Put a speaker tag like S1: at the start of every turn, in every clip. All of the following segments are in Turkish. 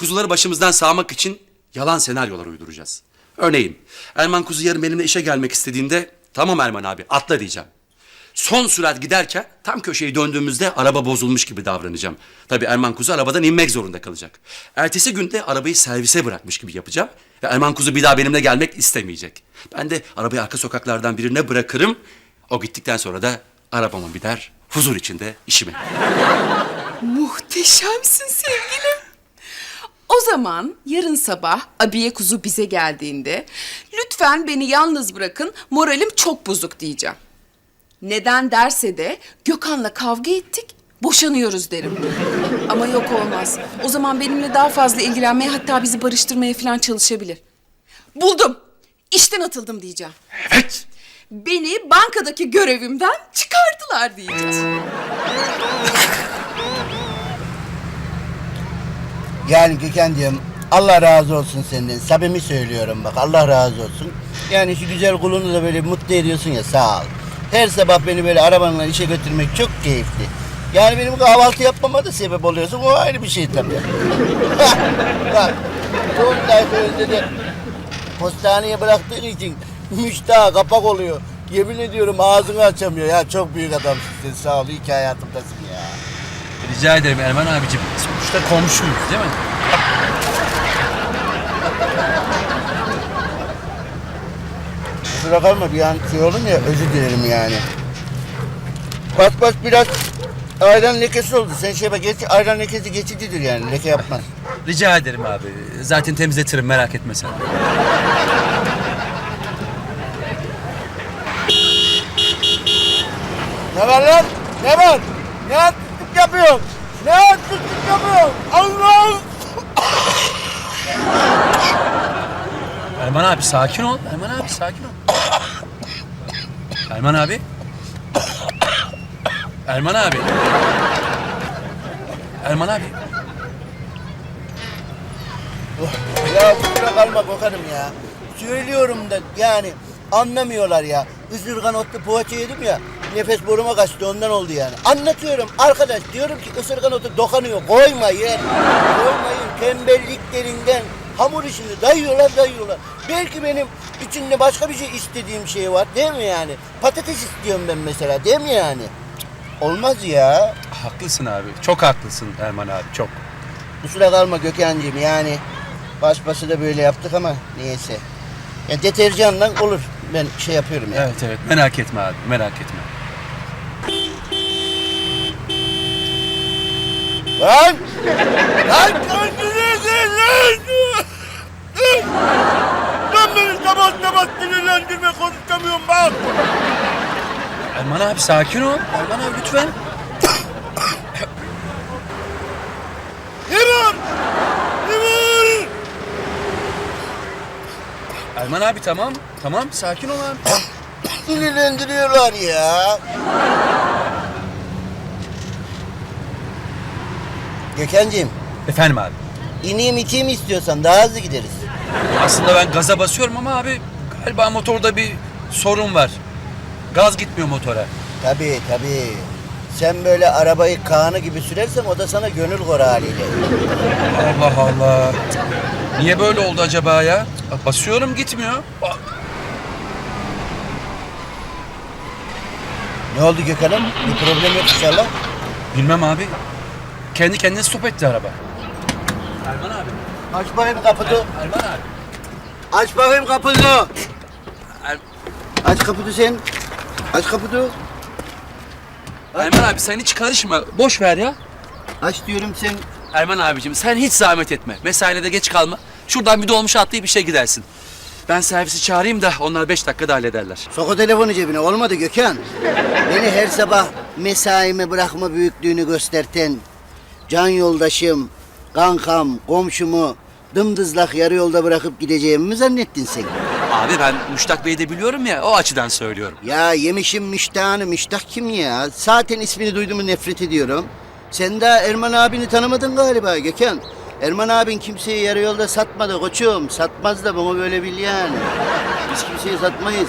S1: Kuzuları başımızdan sağmak için yalan senaryolar uyduracağız. Örneğin Erman kuzu yarın benimle işe gelmek istediğinde tamam Erman abi atla diyeceğim. Son sürat giderken tam köşeyi döndüğümüzde araba bozulmuş gibi davranacağım. Tabii Erman kuzu arabadan inmek zorunda kalacak. Ertesi günde arabayı servise bırakmış gibi yapacağım. Ve Erman kuzu bir daha benimle gelmek istemeyecek. Ben de arabayı arka sokaklardan birine bırakırım. O gittikten sonra da arabama biner, huzur içinde işime.
S2: Muhteşemsin sevgilim. O zaman yarın sabah abiye kuzu bize geldiğinde lütfen beni yalnız bırakın, moralim çok bozuk diyeceğim. Neden derse de Gökhan'la kavga ettik, boşanıyoruz derim. Ama yok olmaz. O zaman benimle daha fazla ilgilenmeye, hatta bizi barıştırmaya falan çalışabilir. Buldum. İşten atıldım diyeceğim.
S1: Evet.
S2: Beni bankadaki görevimden çıkardılar diyeceğiz.
S3: Yani Gökhan'cığım Allah razı olsun senden. Samimi söylüyorum bak, Allah razı olsun. Yani şu güzel kulunu da böyle mutlu ediyorsun ya, sağ ol. Her sabah beni böyle arabanla işe götürmek çok keyifli. Yani benim kahvaltı yapmama da sebep oluyorsun, o ayrı bir şey tabii. Bak, son sayfa önünde de postaneye bıraktığın için müştah kapak oluyor. Yemin ediyorum ağzını açamıyor ya, çok büyük adamsın sen, sağ ol, iyi ki hayatımdasın ya.
S1: Rica ederim Erman abicim. Sonuçta komşuyuz değil mi?
S3: Kusura kalma, bir an şey olun ya, özür dilerim yani. Bak biraz ayran lekesi oldu. Sen şey bak, ayran lekesi geçicidir yani, leke yapmaz.
S1: Rica ederim abi. Zaten temizletirim merak etme sen.
S3: Ne var lan? Ne var? Ne artistlik yapıyorsun? Ne artistlik yapıyorsun? Allah'ım!
S1: Erman abi sakin ol. Erman abi sakin ol. Erman abi. Erman abi. Erman abi.
S3: Ya kusura kalma Gökhan'ım ya. Söylüyorum da yani anlamıyorlar ya. Isırgan otlu poğaça yedim ya. Nefes boruma kaçtı, ondan oldu yani. Anlatıyorum arkadaş, diyorum ki ısırgan otu dokunuyor. Koymayın. Koymayın. Tembelliklerinden hamur işini dayıyorlar. Belki benim içinde başka bir şey istediğim şey var değil mi yani? Patates istiyorum ben mesela değil mi yani? Olmaz ya.
S1: Haklısın abi. Çok haklısın Erman abi çok.
S3: Kusura kalma Gökhan'cığım yani. Baş başa da böyle yaptık ama niyeyse. Ya deterjanla olur. Ben şey yapıyorum ya.
S1: Evet merak etme abi merak etme.
S3: Lan! Lan kendinize lan! Lan beni sabah sinirlendirme, konuşamıyorum bak!
S1: Erman abi sakin ol. Erman abi lütfen.
S3: Ne var? Ne var?
S1: Erman abi tamam. Tamam sakin ol abi.
S3: Sinirlendiriyorlar ya. Gökhan'cığım,
S1: Efendim abi.
S3: ineyim iteyim istiyorsan daha hızlı gideriz.
S1: Aslında ben gaza basıyorum ama abi galiba motorda bir sorun var. Gaz gitmiyor motora.
S3: Tabii. Sen böyle arabayı Kaan'ı gibi sürersen o da sana gönül kor haliyle.
S1: Allah Allah. Niye böyle oldu acaba ya? Basıyorum gitmiyor.
S3: Ne oldu Gökhan'ım? Bir problem yok inşallah.
S1: Bilmem abi. Kendi kendine stop etti araba. Erman abi.
S3: Aç bakayım kapıyı.
S1: Erman abi.
S3: Aç bakayım kapıyı.
S1: Er-
S3: Aç kapıyı sen. Aç kapıyı.
S1: Erman abi sen hiç karışma. Boş ver ya.
S3: Aç diyorum sen.
S1: Erman abicim sen hiç zahmet etme. Mesaine de geç kalma. Şuradan bir dolmuş atlayıp işe gidersin. Ben servisi çağırayım da onlar 5 dakikada hallederler.
S3: Sok o telefonu cebine. Olmadı Gökhan. Beni her sabah mesaime bırakma büyüklüğünü gösterten can yoldaşım, kankam, komşumu dımdızlak yarı yolda bırakıp gideceğimi mi zannettin sen?
S1: Abi ben Müştak Bey'i de biliyorum ya o açıdan söylüyorum.
S3: Ya yemişim müştahını. Müştah kim ya? Zaten ismini duyduğumu nefret ediyorum. Sen daha Erman abini tanımadın galiba Gökhan. Erman abin kimseyi yarı yolda satmadı koçum. Satmaz da bunu böyle bil yani. Biz kimseyi satmayız.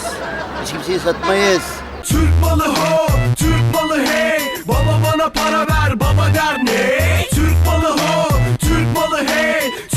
S4: Türk malı ho, Türk malı hey. Baba bana para ver, baba der ne? Türk malı ho, Türk Türk malı hey